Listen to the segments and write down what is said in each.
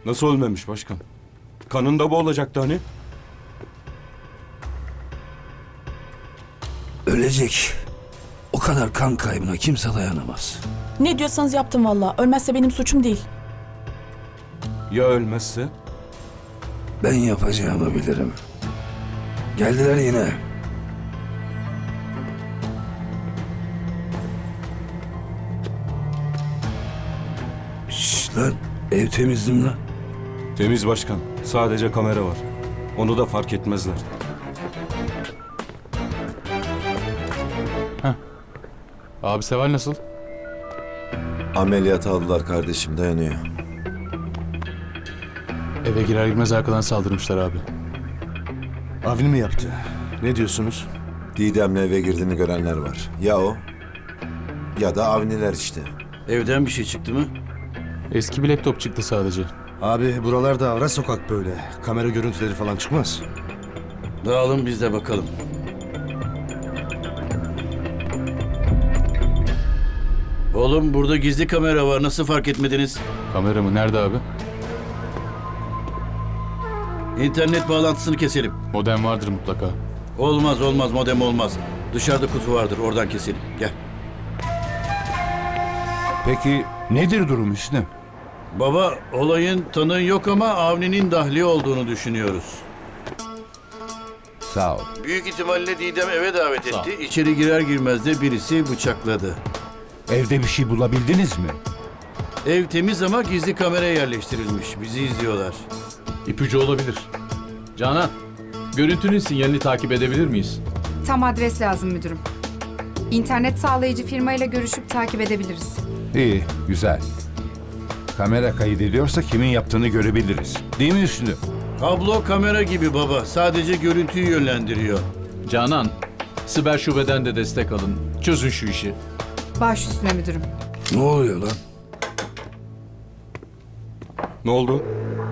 Nasıl ölmemiş başkan? Kanında boğulacaktı hani? Ölecek. O kadar kan kaybına kimse dayanamaz. Ne diyorsanız yaptım valla. Ölmezse benim suçum değil. Ya ölmezse? Ben yapacağımı bilirim. Geldiler yine. Şşş lan, ev temizdim lan. Temiz başkan. Sadece kamera var. Onu da fark etmezler. Abi Seval nasıl? Ameliyata aldılar kardeşim, dayanıyor. Eve girer girmez arkadan saldırmışlar abi. Avni mi yaptı? Ne diyorsunuz? Didem'le eve girdiğini görenler var. Ya o ya da Avniler işte. Evden bir şey çıktı mı? Eski bir laptop çıktı sadece. Abi buralarda ara sokak böyle. Kamera görüntüleri falan çıkmaz. Dağılın biz de bakalım. Oğlum burada gizli kamera var. Nasıl fark etmediniz? Kamera mı? Nerede abi? İnternet bağlantısını keselim. Modem vardır mutlaka. Olmaz modem olmaz. Dışarıda kutu vardır oradan keselim. Gel. Peki nedir durum Hüsnü? Baba olayın tanığı yok ama Avni'nin dahli olduğunu düşünüyoruz. Sağ ol. Büyük ihtimalle Didem eve davet etti. İçeri girer girmez de birisi bıçakladı. Evde bir şey bulabildiniz mi? Ev temiz ama gizli kamera yerleştirilmiş. Bizi izliyorlar. İpucu olabilir. Canan, görüntünün sinyalini takip edebilir miyiz? Tam adres lazım müdürüm. İnternet sağlayıcı firmayla görüşüp takip edebiliriz. İyi, güzel. Kamera kaydediyorsa kimin yaptığını görebiliriz. Değil mi Hüsnü? Kablo kamera gibi baba. Sadece görüntüyü yönlendiriyor. Canan, siber şubeden de destek alın. Çözün şu işi. Baş üstüne müdürüm. Ne oluyor lan? Ne oldu?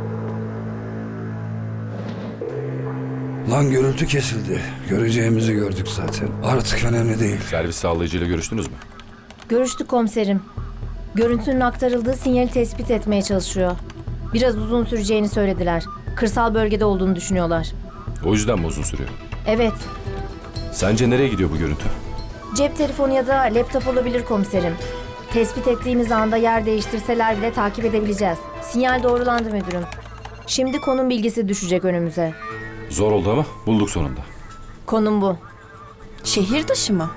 Lan gürültü kesildi. Göreceğimizi gördük zaten. Artık önemli değil. Servis sağlayıcıyla görüştünüz mü? Görüştük komiserim. Görüntünün aktarıldığı sinyali tespit etmeye çalışıyor. Biraz uzun süreceğini söylediler. Kırsal bölgede olduğunu düşünüyorlar. O yüzden mi uzun sürüyor? Evet, Sence nereye gidiyor bu görüntü? cep telefonu ya da laptop olabilir komiserim. Tespit ettiğimiz anda yer değiştirseler bile takip edebileceğiz. Sinyal doğrulandı müdürüm. Şimdi konum bilgisi düşecek önümüze. Zor oldu ama bulduk sonunda. Konum bu. Şehir dışı mı?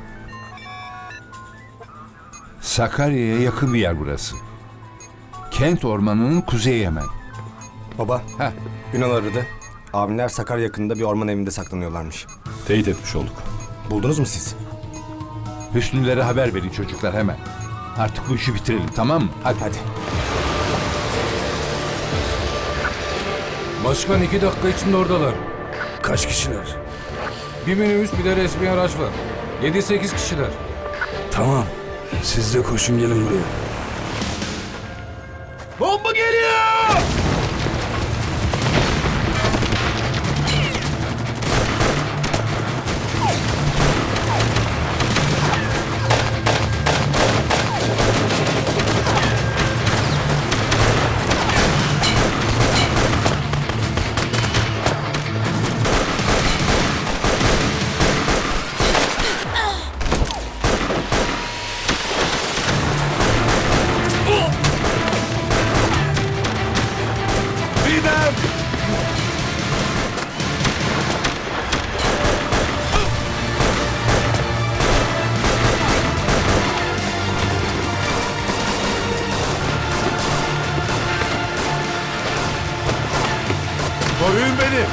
Sakarya'ya yakın bir yer burası. Kent ormanının kuzeyi hemen. Baba, Heh. Ünal aradı. Avniler Sakarya yakınında bir orman evinde saklanıyorlarmış. Teyit etmiş olduk. Buldunuz mu siz? Hüsnülere haber verin çocuklar hemen. Artık bu işi bitirelim, tamam mı? Hadi. Hadi. Başkan 2 dakika içinde oradalar. Kaç kişiler? Bir minibüs bir de resmi araç var. 7-8 kişiler. Tamam. Siz de koşun gelin buraya. Bomba geliyor! Koruyun beni.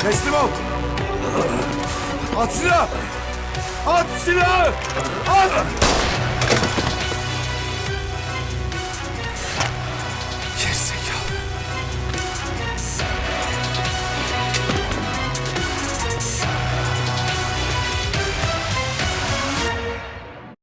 Teslim ol. At silahı. At silahı. At.